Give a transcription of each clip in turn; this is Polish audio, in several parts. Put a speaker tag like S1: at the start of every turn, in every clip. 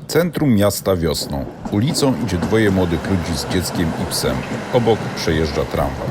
S1: Centrum miasta wiosną. Ulicą idzie dwoje młodych ludzi z dzieckiem i psem. Obok przejeżdża tramwaj.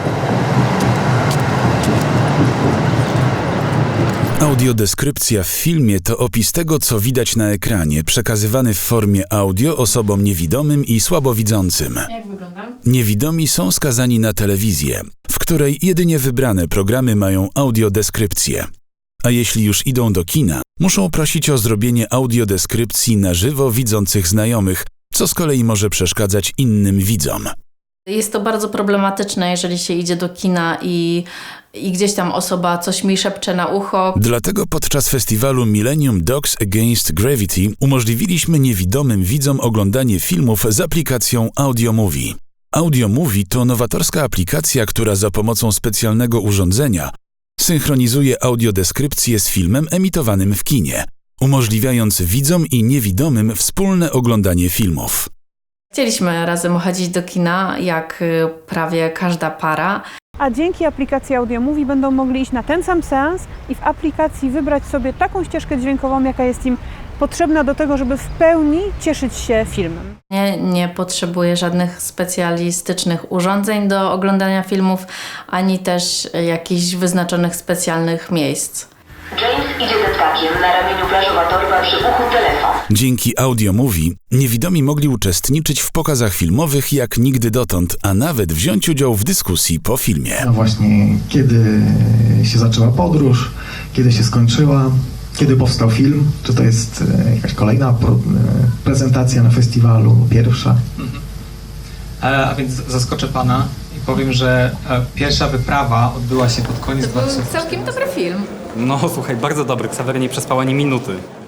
S2: Audiodeskrypcja w filmie to opis tego, co widać na ekranie, przekazywany w formie audio osobom niewidomym i słabowidzącym.
S3: Jak wygląda?
S2: Niewidomi są skazani na telewizję, w której jedynie wybrane programy mają audiodeskrypcję. A jeśli już idą do kina, muszą prosić o zrobienie audiodeskrypcji na żywo widzących znajomych, co z kolei może przeszkadzać innym widzom.
S3: Jest to bardzo problematyczne, jeżeli się idzie do kina i gdzieś tam osoba coś mi szepcze na ucho.
S2: Dlatego podczas festiwalu Millennium Dogs Against Gravity umożliwiliśmy niewidomym widzom oglądanie filmów z aplikacją AudioMovie. AudioMovie to nowatorska aplikacja, która za pomocą specjalnego urządzenia synchronizuje audiodeskrypcję z filmem emitowanym w kinie, umożliwiając widzom i niewidomym wspólne oglądanie filmów.
S3: Chcieliśmy razem chodzić do kina, jak prawie każda para.
S4: A dzięki aplikacji AudioMovie będą mogli iść na ten sam seans i w aplikacji wybrać sobie taką ścieżkę dźwiękową, jaka jest im potrzebna do tego, żeby w pełni cieszyć się filmem.
S3: Nie potrzebuję żadnych specjalistycznych urządzeń do oglądania filmów, ani też jakichś wyznaczonych specjalnych miejsc.
S5: James idzie ze ptakiem, na ramieniu plażowa torba, przy uchu telefon.
S2: Dzięki AudioMovie niewidomi mogli uczestniczyć w pokazach filmowych jak nigdy dotąd, a nawet wziąć udział w dyskusji po filmie.
S6: No właśnie, kiedy się zaczęła podróż, kiedy się skończyła, kiedy powstał film, czy to jest jakaś kolejna prezentacja na festiwalu, pierwsza?
S7: A więc zaskoczę pana i powiem, że pierwsza wyprawa odbyła się pod koniec 2004.
S3: Całkiem dobry film.
S8: No słuchaj, bardzo dobry. Ksawery nie przespał ani minuty.